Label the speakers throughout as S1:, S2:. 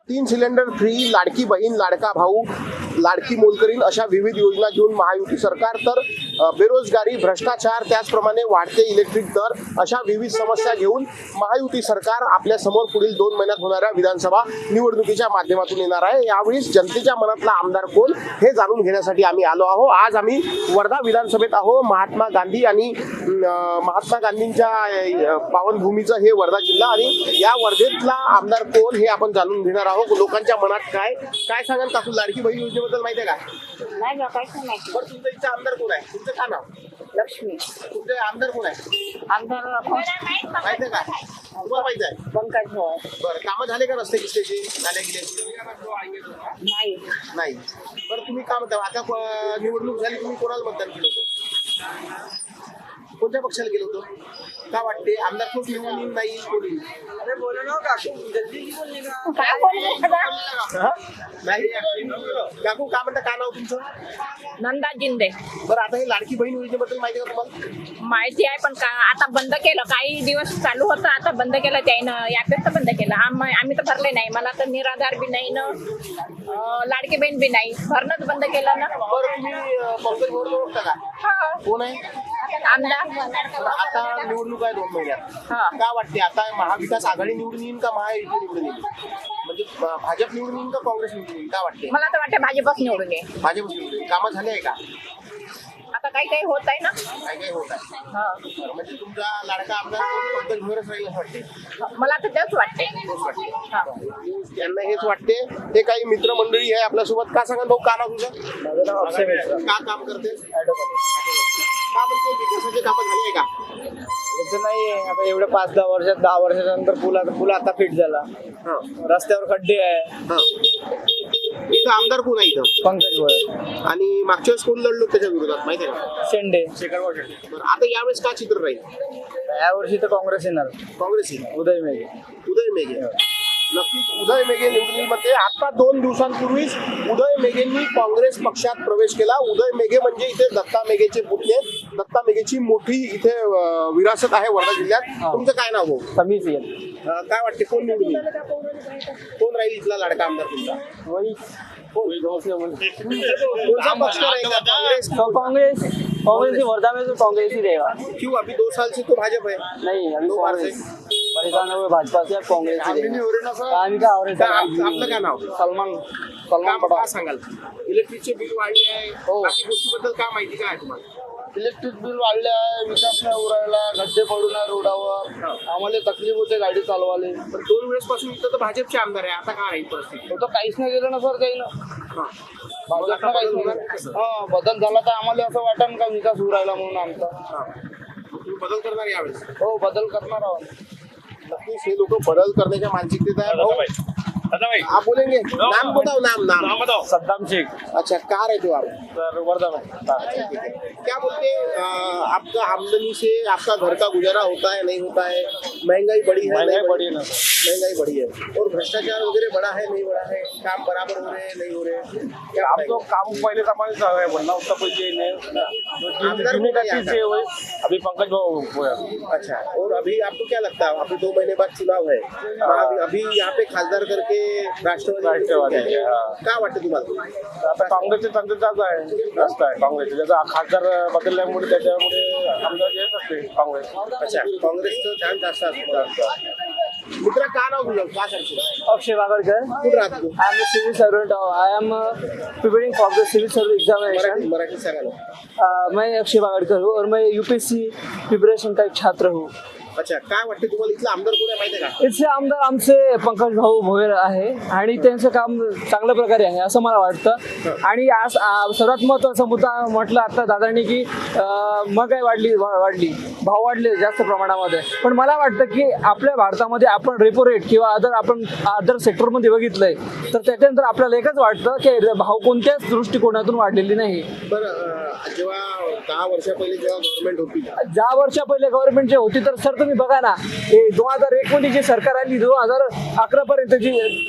S1: 3 cylinder free, लाडकी बहीण, लाडका भाऊ, लाडकी मोलकरीण अशा विविध योजना घेऊन महायुती सरकार तर बेरोजगारी, भ्रष्टाचार, त्याचप्रमाणे वाढते इलेक्ट्रिक दर अशा विविध समस्या घेऊन महायुती सरकार आपल्या समोर पुढील 2 महिन्यात होणाऱ्या विधानसभा निवडणुकीच्या माध्यमातून येणार आहे। यावेळी जनतेच्या मनातला आमदार कोण हे जाणून घेण्यासाठी आम्ही आलो आहोत। आज आम्ही वर्धा विधानसभेत आहोत। महात्मा गांधी आणि महात्मा गांधींच्या पावनभूमीचं हे वर्धा जिल्हा आणि या वर्धेतला आमदार कोण हे आपण जाणून घेणार आहोत। लोकांच्या मनात काय सांगाल काकू, लाडकी बहीण योजनेबद्दल माहिती आहे का?
S2: नाही ना, काहीच नाही माहिती.
S1: बरं, तुमच्या इथं आमदार कोण आहे? तुमचं काय नाव?
S2: लक्ष्मी
S1: तुमचे आमदार कोण आहे?
S2: आमदार
S1: माहिती आहे का? तुम्हाला माहिती आहे?
S2: पंकज भाऊ.
S1: बरं, कामं झाले का रस्ते किस्त्याची, नाल्या गिल्याची?
S2: नाही.
S1: नाही. बरं, तुम्ही काय म्हणता, आता निवडणूक झाली, तुम्ही कोणाला मतदान केलं होतं? कोणत्या पक्षाला गेलो होतो? काय वाटते, आमदार खूप निवडून नाही कोणी?
S2: काय बोलू
S1: नाही. काकू काय म्हणता, काय नाव तुमचं?
S2: नंदा जिंदे.
S1: बरं, आता हे लाडकी बहीण योजनेबद्दल माहिती आहे का तुम्हाला?
S2: माहिती आहे, पण आता बंद केलं. काही दिवस चालू होतं, आता बंद केलं त्यानं. यापेक्षा बंद केलं. आम्ही तर भरले नाही. मला तर निराधार बी नाही ना, लाडकी बहीण बी नाही. भरणंच बंद केलं ना.
S1: बरं, तुम्ही पंकज भोर ओळखता का?
S2: हा.
S1: कोण आहे
S2: आमदार.
S1: बरं, आता निवडणूक आहे 2 महिन्यात.
S2: हा.
S1: काय वाटते, आता महाविकास आघाडी निवडून येईल का महायुती निवडून येईल? म्हणजे भाजप निवडून येईल का काँग्रेस निवडून येईल? काय वाटते?
S2: मला तर वाटतं भाजपच निवडून ये.
S1: भाजप निवडून येईल. कामं झाले आहे का?
S2: आता काही होत आहे ना.
S1: काय होत आहे?
S2: हा.
S1: बरं, म्हणजे तुमचा लाडका आमदार पंकज भोरच राहील असं वाटते?
S2: मला तर तेच वाटते. हा.
S1: त्यांना हेच वाटते. हे काही मित्रमंडळी आहे आपल्यासोबत. का सांगा भाऊ, का नाव तुझं?
S3: माझं नाव अक्षय मिश्रा.
S1: का काम करते? का म्हणते, विकासाचे कामं झाले आहे का?
S3: याचं नाही, आता एवढ्या 5-10 वर्षात 10 वर्षानंतर पूल आता फिट झाला.
S1: हा.
S3: रस्त्यावर खड्डे आहे.
S1: हा. इथं आमदार कोण आहे इथं?
S3: पंकज भोयर,
S1: आणि मागच्या वेळेस कोण लढलो त्याच्या विरोधात माहिती आहे का?
S3: शेंडे.
S1: बरं, आता यावेळेस काय चित्र राहील?
S3: यावर्षी तर काँग्रेस येणार.
S1: काँग्रेस येईल.
S3: उदय मेघे.
S1: उदय मेघे नक्कीच उदय मेघे निवडणुकीमध्ये आता 2 दिवसांपूर्वीच उदय मेघेंनी काँग्रेस पक्षात प्रवेश केला. उदय मेघे म्हणजे इथे दत्ता मेघेचे पुतणे. दत्ता मेघेची मोठी इथे विरासत आहे वर्धा जिल्ह्यात. तुमचं काय नाव भाऊ?
S3: समीच येईल.
S1: काय वाटते, कोण निवडून येईल? कोण राहील इथला लाडका आमदार तुमचा? कोणता पक्ष रहेगा? कांग्रेस?
S3: कांग्रेस ही वर्धा में तो कांग्रेस ही रहेगा.
S1: क्यों? अभी 2 साल से तो भाजप है.
S3: नहीं, अभी
S1: 2 बार से.
S3: कांग्रेस परेशान हुए भाजपा से, अब कांग्रेस ही रहेगा. आम्ही काय आवडेल
S1: आपलं काय नाव?
S3: सलमान
S1: काय
S3: पठाण.
S1: सांगाल? इलेक्ट्रिकचे बिल वाढले आहे.
S3: हो.
S1: बाकी गोष्टीबद्दल काय माहिती काय आहे तुम्हाला?
S3: इलेक्ट्रिक बिल वाढले आहे, विकास नाही उरायला, गड्डे पडून आहे रोडावर. आम्हाला तकलीफ होते गाडी चालवाले.
S1: पण 2 वेळेस पासून इथं तर भाजपचे आमदार आहे. आता काय राहील परिस्थिती?
S3: तो तर काहीच नाही केलं ना सर काही ना.
S1: हा.
S3: भाजपनं काहीच नाही. हा, बदल झाला तर आम्हाला असं वाटन का विकास उरायला म्हणून आमचा.
S1: हा. तुम्ही बदल करणार यावेळेस?
S3: हो, बदल करणार आहोत.
S1: नक्कीच हे लोक बदल करण्याच्या मानसिकतेत आहे. भाऊ आप बोलेंगे? नाम बताओ. नाम.
S3: सद्दाम शेख
S1: अच्छा, कहाँ रहते हो आप?
S3: सर वर्धा में.
S1: क्या बोलते आपका आमदनी से आपका घर का गुजारा होता है, नहीं होता है? महंगाई बढ़ी है?
S3: महंगाई बढ़ी है ना सर.
S1: महंगाई बढ़ी है. और भ्रष्टाचार वगैरह बढ़ा है, नहीं बढ़ा है? काम बराबर हो रहे हैं, नहीं हो रहे हैं? क्या
S3: हम तो काम पहले सामान है बनना उसका कोई ये नहीं.
S1: आमदार
S3: जिम्मे का
S1: को
S3: चीज है वही. अभी पंकज भाऊ हुआ.
S1: अच्छा, और अभी आपको क्या लगता है, अभी 2 महीने बाद चुनाव है, अभी यहाँ पे खासदार करके राष्ट्रवादी
S3: है.
S1: काय वाटतं तुम्हाला?
S3: आता काँग्रेसचे चांगले जास्त आहे, जास्त आहे काँग्रेसचे. त्याचा खासदार बदलल्यामुळे त्याच्यामुळे आमदार येत असते काँग्रेस.
S1: अच्छा, काँग्रेसचं छान जास्त असतं. मित्रा, काय नाव तुझं? काय करतो?
S3: अक्षय बागड़कर.
S1: कुठं राहतो तू?
S3: I am a civil servant. I am preparing for the civil service examination.
S1: Marathi सांगा ना.
S3: मैं अक्षय बागड़कर हूँ और मैं यूपीएससी प्रिपरेशन का एक छात्र हूँ.
S1: अच्छा, काय वाटते तुम्हाला, इथला आमदार कोण आहे माहिती आहे का?
S3: इथले आमदार आमचे पंकज भाऊ भोयर आहे आणि त्यांचं काम चांगल्या प्रकारे आहे असं मला वाटतं. आणि आज सर्वात महत्त्वाचा मुद्दा म्हटलं आता दादांनी की महागाई वाढली, भाव वाढले जास्त प्रमाणामध्ये. पण मला वाटतं की आपल्या भारतामध्ये आपण रेपो रेट किंवा अदर सेक्टरमध्ये बघितलंय तर त्याच्यानंतर आपल्याला एकच वाटतं की भाव कोणत्याच दृष्टिकोनातून वाढलेली नाही.
S1: बरं, जेव्हा 10 वर्षा पहिले जेव्हा गव्हर्नमेंट होती,
S3: 10 वर्षा पहिले गव्हर्नमेंट जे होती तर सर तुम्ही बघा ना, 2001 मध्ये जी सरकार आली, 2011 पर्यंत जी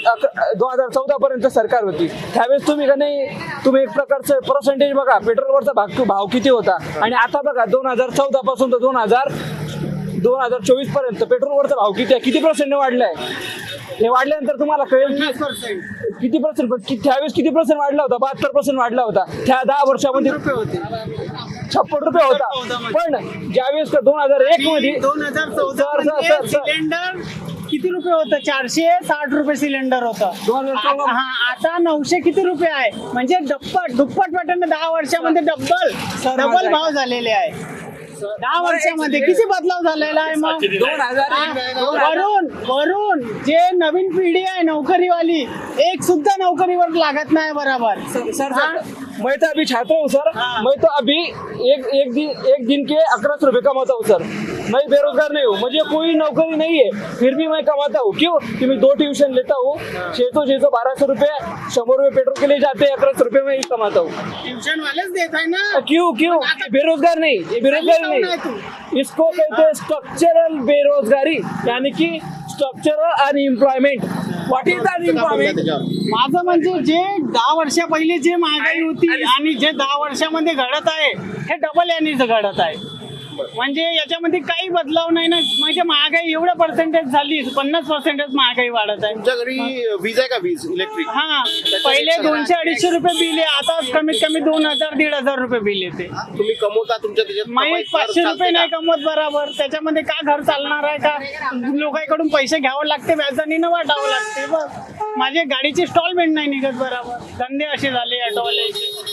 S3: 2014 पर्यंत सरकार होती, त्यावेळेस तुम्ही एक प्रकारचं पर्सेंटेज बघा, पेट्रोलवरचा भाव किती होता. आणि आता बघा 2014 पासून तर 2024 पर्यंत पेट्रोलवरचा भाव किती पर्सेंट वाढलाय. हे वाढल्यानंतर तुम्हाला कळेल की किती पर्सेंट, त्यावेळेस किती पर्सेंट वाढला होता? 72% वाढला होता त्या 10 वर्षामध्ये. 56 रुपये होता. पण ज्यावेळेस 2001 मध्ये
S4: 2014 सिलेंडर किती रुपये होतं? 460 रुपये सिलेंडर होतं.
S3: 2014
S4: आता 900 किती रुपये आहे? म्हणजे दुप्पट वाटणं 10 वर्षामध्ये डबल भाव झालेले आहे. 10 वर्षामध्ये किती बदलाव झालेला आहे? मग
S3: 2000
S4: वरून जे नवीन पिढी आहे नोकरीवाली, एक सुद्धा नोकरीवर लागत नाही बराबर.
S3: सर मैं तो अभी छात्र हूँ सर. मैं तो अभी एक दिन के 1100 रुपये कमाता हूँ सर. मैं बेरोजगार नहीं हूँ, मुझे कोई नौकरी नहीं है, फिर भी मैं कमाता हूँ. क्यों? कि मैं 2 ट्यूशन लेता हूँ. 600 1200 रुपये, 100 रुपये पेट्रोल के लिए जाते हैं, 1100 रुपये में ही कमाता हूँ.
S4: ट्यूशन वालेच देत आहे ना.
S3: क्यों? बेरोजगार नहीं, ये बेरोजगारी नहीं, इसको कहते हैं स्ट्रक्चरल बेरोजगारी, यानी कि structural unemployment. What is unemployment?
S4: माझं म्हणजे जे 10 वर्षा पहिले जे महागाई होती आणि जे 10 वर्षामध्ये घडत आहे हे डबल यानीच घडत आहे. म्हणजे याच्यामध्ये काही बदलाव नाही ना. म्हणजे महागाई एवढं पर्सेंटेज झाली, 50% महागाई वाढत आहे.
S1: तुमच्या घरी वीज आहे का? वीज इलेक्ट्रिक?
S4: हा, पहिले 200-250 रुपये बिल आहे, आता कमीत कमी 2000-1500 रुपये बिल येते.
S1: तुम्ही कमवता तुमच्या त्याच्यात
S4: मी
S1: कमाई फार
S4: 500 रुपये
S1: चालते
S4: नाही
S1: का?
S4: कमवत बरोबर. त्याच्यामध्ये का घर चालणार आहे का? लोकांकडून पैसे घ्यावं लागते, व्याजाने वाटावं लागते. बस माझे गाडीची इन्स्टॉलमेंट नाही निघत बरोबर. धंदे असे झाले ऑटोवाल्याचे.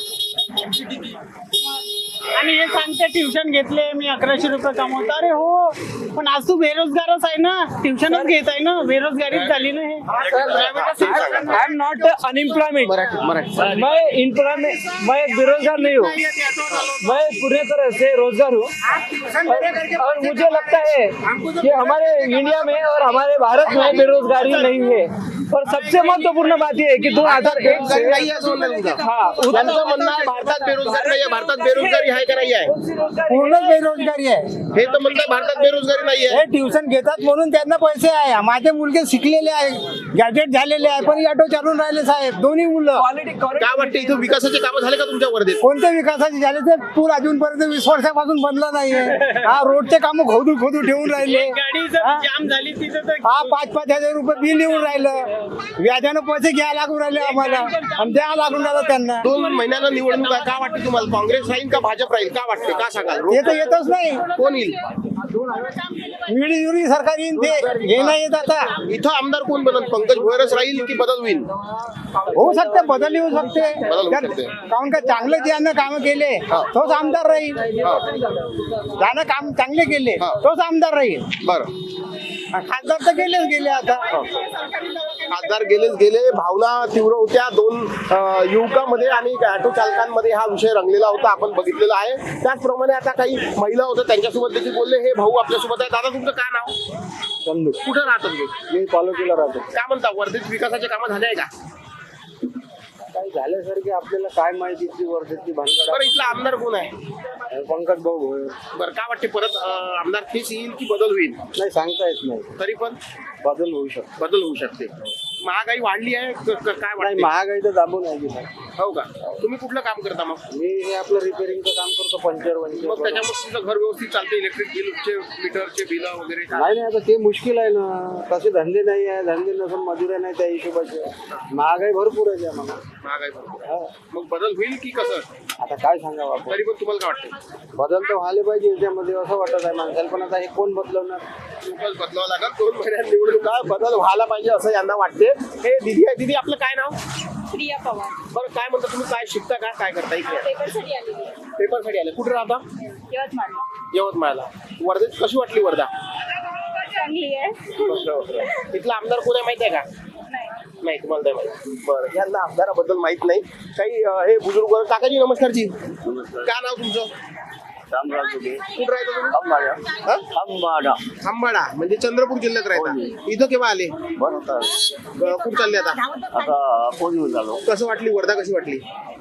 S4: आणि हे सांगते ट्युशन घेतले मी 1100 रुपये कमवतो. अरे हो, पण आज तू बेरोजगारच आहे ना, ट्युशनच घेत आहे ना, बेरोजगारीच झाली ना. हे
S3: I am not unemployment.
S1: Marathi
S3: मैं बेरोजगार नहीं हूँ, मैं पूरी तरह से रोजगार हूँ. और मुझे लगता है कि हमारे इंडिया में और हमारे भारत में बेरोजगारी नहीं है. और सबसे महत्वपूर्ण बात यह है कि 2001 से
S1: नाही आहे असं म्हणणं तुमचं?
S3: हाँ
S1: त्यांचं म्हणणं आहे भारतात बेरोजगारी नाही आहे. भारतात बेरोजगारी आहे का नाही आहे?
S5: पूर्ण बेरोजगारी आहे.
S1: हे तर म्हणतात भारतात बेरोजगारी नाही आहे.
S5: हे ट्युशन घेतात म्हणून त्यांना पैसे आहे. माझे मुलगे शिकलेले आहे, गॅजेट झालेले आहे, पण ऑटो चालून राहिले साहेब, दोन्ही मुलं.
S1: काय वाटतं इथं विकासाचे कामं झाले का तुमच्या वर्धेत?
S5: कोणत्या विकासाचे झाले ते पूल अजूनपर्यंत 20 वर्षापासून बनला नाहीये. हा, रोडचे कामं खोदू ठेवून राहिले.
S4: गाडी जर जाम झाली तिथं तर
S5: हा, 5-5 हजार रुपये बिल येऊन राहिलं. व्याजानं पैसे घ्यायला लागून राहिले आम्हाला आणि द्यायला लागून राहिलं त्यांना.
S1: 2 महिन्याला निवडणूक आहे. काय वाटतं तुम्हाला? काँग्रेस राहील का भाजप राहील? काय वाटते? का सांगाल?
S5: ते तर येतच नाही.
S1: कोण येईल?
S5: मिळी सरकार येईन, ते हे नाही येत आता.
S1: इथं आमदार कोण बनल? पंकज भोयरच राहील की बदल होईल?
S5: होऊ शकते, बदल येऊ शकते.
S1: बदल होऊ शकते.
S5: कारण का चांगले ज्यानं काम केले तोच आमदार राहील. ज्यानं काम चांगले केले तोच आमदार राहील.
S1: बरं,
S5: खासदार तर गेले आता.
S1: खासदार गेले. भावना तीव्र होत्या 2 युवकांमध्ये आणि ऑटो चालकांमध्ये हा विषय रंगलेला होता, आपण बघितलेला आहे. त्याचप्रमाणे आता काही महिला होत्या, त्यांच्यासोबत देखील बोलले. हे भाऊ आपल्यासोबत आहे. दादा, तुमचं काय नाव? कुठं राहतात तुम्ही?
S5: मी तालुक्याला राहतो.
S1: काय म्हणता, वर्धेत विकासाचे कामं झाले आहे का?
S5: काय झाल्यासारखे आपल्याला काय माहिती ती वर्षाची भानगड.
S1: बरं, इथला आमदार कोण आहे?
S5: पंकज भाऊ भोयर.
S1: बरं, काय वाटते परत आमदार तेच येईल की बदल होईल?
S5: नाही सांगता येत नाही,
S1: तरी पण
S5: बदल होऊ शकतो.
S1: बदल होऊ शकते. महागाई वाढली आहे काय
S5: नाही,
S1: वाटते?
S5: महागाई तर दाबून आहे की नाही.
S1: हो का? तुम्ही कुठलं काम करता मग?
S5: मी हे आपलं रिपेअरिंगचं काम करतो, पंचर वंचर.
S1: मग त्याच्यामुळे तुमचं घर व्यवस्थित चालते? इलेक्ट्रिक बिलचे, मीटरचे बिल वगैरे काय?
S5: नाही आता ते मुश्किल आहे ना. तसे धंदे नाही आहे, धंदे नसून मजुऱ्या नाही त्या हिशोबाचे. महागाई भरपूर आहे त्यामध्ये.
S1: महागाई भरपूर.
S5: हा.
S1: मग बदल होईल की कसं?
S5: आता काय सांगावं आपण.
S1: तरी पण तुम्हाला काय वाटतं?
S5: बदल तर व्हायला पाहिजे याच्यामध्ये असं वाटत आहे माणसाला. पण आता हे कोण बदलवणार?
S1: खूपच बदलावं लागेल. 2 महिन्यात निवडणुका, बदल व्हायला पाहिजे असं यांना वाटते. हे दीदी आहे. दीदी, आपलं काय नाव?
S2: प्रिया पवार.
S1: बरं, काय म्हणता तुम्ही? काय शिकता का? काय करता? इकडे
S2: पेपरसाठी आलेली आहे.
S1: पेपरसाठी आले. कुठे राहता?
S2: यवतमाळला.
S1: यवतमाळला. वर्धेत कशी वाटली वर्धा?
S2: चांगली आहे.
S1: इथला आमदार कोण आहे माहिती आहे का? नाही, तुम्हाला नाही माहिती. बरं, यांना आमदाराबद्दल माहित नाही. काही हे बुजुर्ग. काकाजी नमस्कारजी. काय नाव तुमचं? कुठं राहता तुम्ही? खांबाडा म्हणजे चंद्रपूर जिल्ह्यात राहता. इथं केव्हा आले? कुठं चालले आता? कसं वाटली वर्धा? कशी वाटली?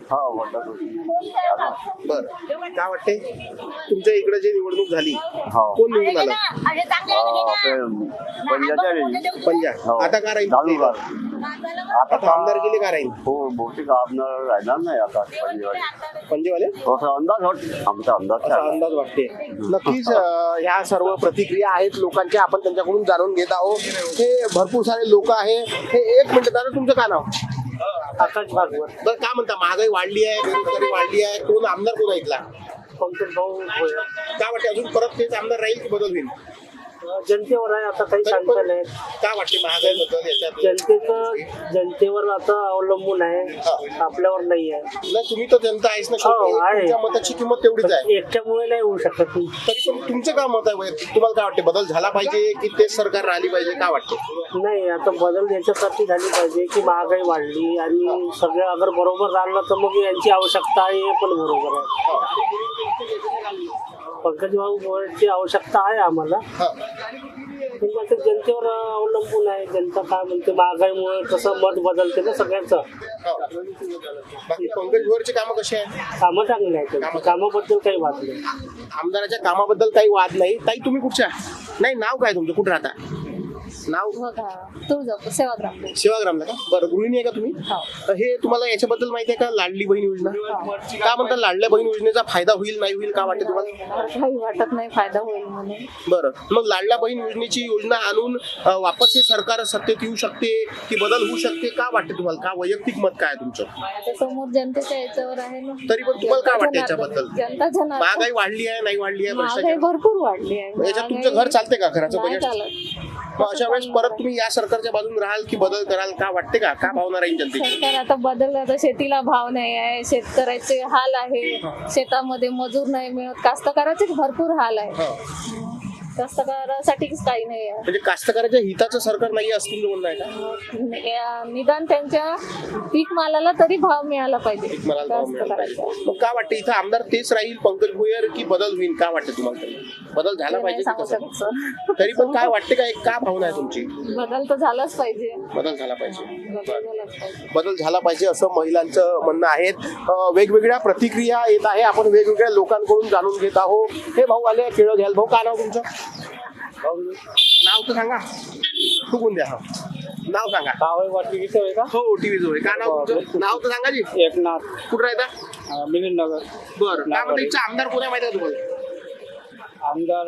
S1: बर, काय वाटते तुमच्या इकडे जे निवडणूक झाली कोण निवडून आलं? पंजा. आता काय राहील? आता आमदार गेले का राहील
S6: हो बहुतेक आमदार राहणार नाही आता
S1: पंजेवाले
S6: असा अंदाज आमचा अंदाज
S1: असा अंदाज वाटते नक्कीच ह्या सर्व प्रतिक्रिया आहेत लोकांच्या आपण त्यांच्याकडून जाणून घेत आहोत हे भरपूर सारे लोक आहे हे एक मिनिट दादा तुमचं काय नाव
S4: आकाश भागवत
S1: बरं काय म्हणता महागाई वाढली आहे बेरोजगारी वाढली आहे कोण आमदार कोण ऐकला
S4: पंकज भाऊ भोयर.
S1: काय वाटते अजून परत तेच आमदार राहील की बदल होईल
S4: जनतेवर आहे आता काही
S1: तरी
S4: सांगता
S1: पण
S4: नाही
S1: काय वाटते महागाई बद्दल याच्यात
S4: जनतेवर आता अवलंबून आहे आपल्यावर नाही आहे
S1: नाही तुम्ही तर जनता आहेस ना शेवटी.
S4: हो, आहे.
S1: तुमच्या मताची किंमत तेवढीच आहे
S4: एकट्यामुळे नाही होऊ शकत
S1: तरी पण तुमचं काय मत आहे वैयक्तिक? तुम्हाला काय वाटते बदल झाला पाहिजे की तेच सरकार राहिली पाहिजे काय वाटते
S4: नाही आता बदल याच्यासाठी झाली पाहिजे की महागाई वाढली आणि सगळं अगर बरोबर राहिलं तर मग यांची आवश्यकता आहे हे पण बरोबर आहे पंकज भाऊ भोयरची आवश्यकता आहे आम्हाला पण आता जनतेवर अवलंबून आहे जनता काय म्हणते महागाईमुळे कसं मत बदलते ना सगळ्यांचं
S1: बाकी पंकज भोयरचे कामं कसे आहेत
S4: कामं चांगली आहेत कामाबद्दल काही वाद नाही
S1: आमदाराच्या कामाबद्दल काही वाद नाही ताई तुम्ही कुठच्या नाही नाव काय तुमचं कुठं राहता नाव
S2: तुळजापूर सेवाग्राम
S1: सेवाग्रामला का बरं गृहिणी आहे का तुम्ही तर हे तुम्हाला याच्याबद्दल माहिती आहे का लाडली बहीण योजना का म्हणतात लाडल्या बहीण योजनेचा फायदा होईल नाही होईल का वाटते तुम्हाला
S2: काही वाटत नाही फायदा होईल म्हणून
S1: बरं मग लाडल्या बहीण योजनेची योजना आणून वापस हे सरकार सत्तेत येऊ शकते की बदल होऊ शकते का वाटते तुम्हाला का वैयक्तिक मत काय आहे तुमचं
S2: आता समोर जनतेच्या याच्यावर आहे ना
S1: तरी पण तुम्हाला काय वाटतं याच्याबद्दल
S2: जनता जनार्दन
S1: महागाई वाढली आहे नाही वाढली आहे
S2: महागाई
S1: भ्रष्टाचार
S2: भरपूर वाढली आहे
S1: याच्यात तुमचं घर चालते का घराचं
S2: नाही
S1: बजेट
S2: चालत.
S1: मग अशा वेळेस परत तुम्ही या सरकारच्या बाजून राहाल की बदल कराल का वाटते का भावना राहील जनतेची
S2: सरकार आता बदललं आता शेतीला भाव नाही आहे शेतकऱ्याचे हाल आहे शेतामध्ये मजूर नाही मिळत कास्तकाराचे भरपूर हाल आहे कास्तकारासाठीच काही नाही आहे
S1: म्हणजे कास्तकाराच्या हिताचं सरकार नाही असं तुमचं म्हणणं आहे का
S2: निदान त्यांच्या पीक मालाला तरी भाव मिळाला पाहिजे
S1: मला भाव मिळाला पाहिजे.
S2: कास्तकाराचा.
S1: मग काय वाटतं इथं आमदार तेच राहील पंकज भुयर की बदल होईल का वाटतं तुम्हाला तरी बदल झाला
S2: ते नाही
S1: पाहिजे की
S2: सांगू
S1: कसं
S2: शकत सर.
S1: तरी पण काय वाटते का एक का भावना आहे तुमची
S2: बदल तर झालाच पाहिजे
S1: बदल झाला पाहिजे
S2: बदल झालाच पाहिजे
S1: बदल झाला पाहिजे असं महिलांचं म्हणणं आहे वेगवेगळ्या प्रतिक्रिया येत आहे आपण वेगवेगळ्या लोकांकडून जाणून घेत आहोत हे भाऊ आले केळं घ्याल भाऊ काय नाव तुमचं नाव तर सांगा चुकून द्या नाव सांगा हो टीव्ही जो आहे काय नाव तुमचं नाव तर सांगा जी
S4: एकनाथ
S1: कुठं राहता
S4: मिलिंद नगर
S1: बरं काय म्हणता इथचा आमदार कोण आहे माहिती आहे का तुम्हाला
S4: आमदार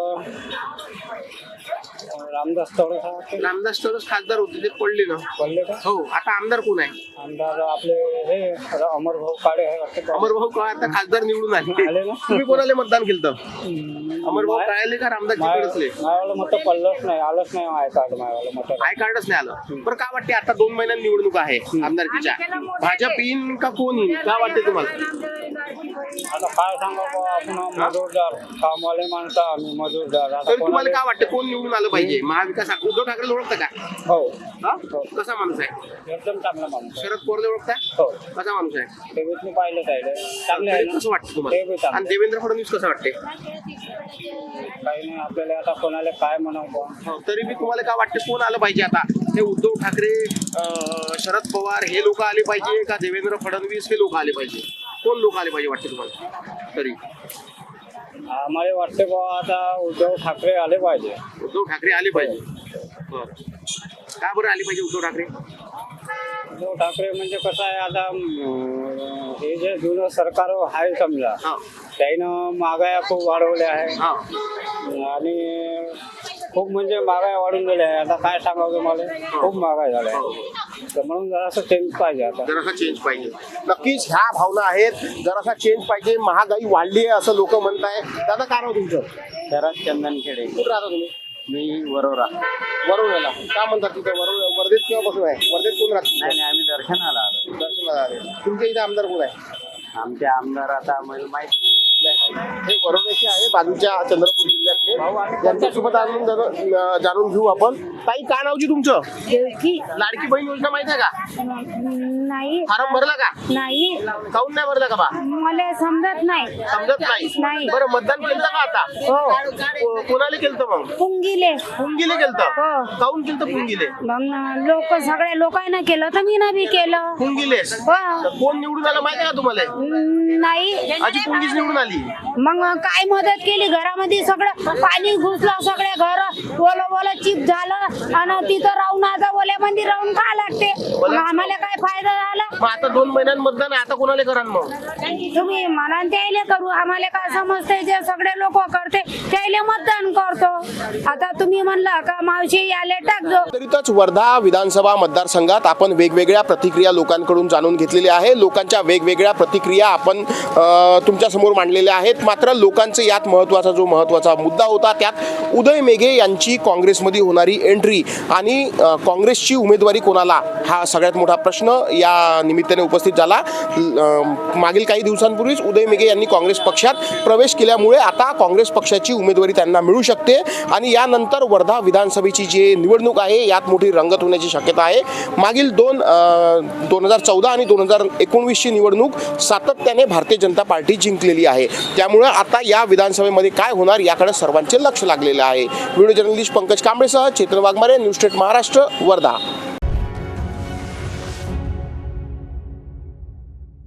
S4: रामदास तवडे
S1: रामदास तरच खासदार होते ते पडले ना
S4: बोलले का
S1: हो आता आमदार कोण आहे
S4: आमदार आपले हे अमर भाऊ काळे आहे वाटतं का?
S1: अमरभाऊ काळे आता खासदार निवडून
S4: आले
S1: आले
S4: ना?
S1: तुम्ही कोणाला मतदान केलं अमरभाऊ काळेले का रामदास जिकडे
S4: मायावाला मत पडलंच नाही आलंच नाही आय कार्ड मायावाला मत
S1: आय कार्डच नाही आलं बरं काय वाटते आता 2 महिन्यात निवडणूक आहे आमदारकीच्या भाजप येईन का कोण येईन काय वाटते तुम्हाला
S4: आता काय सांगा आपण मजूरदार कामवाले माणसं आम्ही मजूरदार आता
S1: तर तुम्हाला
S4: कोणाला
S1: काय वाटतं कोण निवडून आलं पाहिजे महाविकास उद्धव ठाकरे ओळखता का
S4: हो
S1: हा? कसा माणूस आहे
S4: एकदम चांगला माणूस आहे.
S1: शरद पवार ओळखता
S4: हो
S1: कसा माणूस आहे
S4: तेवीसनी पाहिलं पाहिजे चांगले आहे
S1: तरी
S4: ना
S1: कसं वाटतं
S4: ते
S1: तुम्हाला
S4: बी चांगलं.
S1: आणि देवेंद्र फडणवीस कसं वाटते
S4: काही नाही आपल्याला आता कोणाला काय म्हणावं
S1: हो, तरी मी तुम्हाला काय वाटतं कोण आलं पाहिजे आता हे उद्धव ठाकरे शरद पवार हे लोक आले पाहिजे का देवेंद्र फडणवीस हे लोक आले पाहिजे कोण लोक आले पाहिजे वाटते तुम्हाला तरी
S4: आम्हाला वाटते बाबा आता उद्धव ठाकरे आले पाहिजे
S1: उद्धव ठाकरे आले पाहिजे बरं. का बरं आले पाहिजे उद्धव ठाकरे
S4: उद्धव ठाकरे म्हणजे कसं आहे आता हे जे जुनं सरकार आहे समजा
S1: हा
S4: त्यानं महागाया खूप वाढवल्या आहे
S1: हा
S4: आणि खूप म्हणजे महागाई वाढून गेल्या आहे आता काय सांगावं तुम्हाला खूप महागाई झाल्या आहे तर म्हणून जरासं चेंज पाहिजे आता
S1: जरासा चेंज पाहिजे नक्कीच ह्या भावना आहेत जरासा चेंज पाहिजे महागाई वाढली आहे असं लोक म्हणताय दादा काय नाव तुमचं
S4: शरद चंदनखेडे
S1: कुठं राहता तुम्ही
S4: मी वरोरा
S1: वरोऱ्याला का म्हणतात तिथं वर्धेत केव्हापासून आहे वर्धेत कोण राहत
S4: नाही आम्ही दर्शनाला आलो
S1: दर्शनाला आले तुमच्या इथे आमदार कोण आहे
S4: आमचे आमदार आता आम्हाला माहित नाही
S1: हे वरोऱ्याचे आहे बाजूच्या चंद्रपूर जिल्ह्यातले यांच्यासोबत जाणून घेऊ आपण ताई काय नावची तुमचं लाडकी बहीण योजना माहिती आहे का
S7: नाही
S1: फारम भरला का
S7: नाही
S1: काऊन नाही भरला का बा
S7: मला समजत नाही
S1: समजत नाही
S7: नाही.
S1: बरं मतदान केलं का आता
S7: हो
S1: कोणाला केलं मग
S7: पुंगिले
S1: पुंगिले केलं
S7: हो.
S1: काऊन केलं पुंगिले
S7: लोक सगळ्या लोकांना केलं तर मी बी केलं
S1: पुंगिलेस
S7: हो
S1: तर कोण निवडून आलं माहिती आहे का तुम्हाला
S7: नाही
S1: आजी पुंगीच निवडून आली
S7: मग काय मदत केली घरामध्ये सगळं पाणी घुसलं सगळे घर ओलं चिप झालं आणि तिथं राहून आता ओल्यामध्ये राहून खा लागते मग आम्हाला काय फायदा झाला
S1: मग आता 2 महिन्यात मतदान आहे, आता कोणाला करा मग?
S7: तुम्ही म्हणाल त्याले करू आम्हाला काय समजते जे सगळे लोक करते त्याले मतदान करतो आता तुम्ही म्हणला का मावशी याले टाकजो.
S1: तरीतच वर्धा विधानसभा मतदारसंघात आपण वेगवेगळ्या प्रतिक्रिया लोकांकडून जाणून घेतलेल्या आहे. लोकांच्या वेगवेगळ्या प्रतिक्रिया आपण तुमच्या समोर मांडलेल्या आहेत. मात्र लोकांचे यात महत्त्वाचा मुद्दा होता त्यात उदय मेघे यांची काँग्रेसमध्ये होणारी एंट्री आणि काँग्रेसची उमेदवारी कोणाला हा सगळ्यात मोठा प्रश्न या निमित्ताने उपस्थित झाला. मागील काही दिवसांपूर्वीच उदय मेघे यांनी काँग्रेस पक्षात प्रवेश केल्यामुळे आता काँग्रेस पक्षाची उमेदवारी त्यांना मिळू शकते आणि यानंतर वर्धा विधानसभेची जी निवडणूक आहे यात मोठी रंगत होण्याची शक्यता आहे. मागील 2014 आणि 2019ची निवडणूक सातत्याने भारतीय जनता पार्टी जिंकलेली आहे. त्यामुळे आता या विधानसभेमध्ये काय होणार याकडे सर्वांचे लक्ष लागलेले आहे. व्हिडिओ जर्नलिस्ट पंकज कांबळेसह चेतन वाघमारे, न्यूज स्टेट महाराष्ट्र, वर्धा.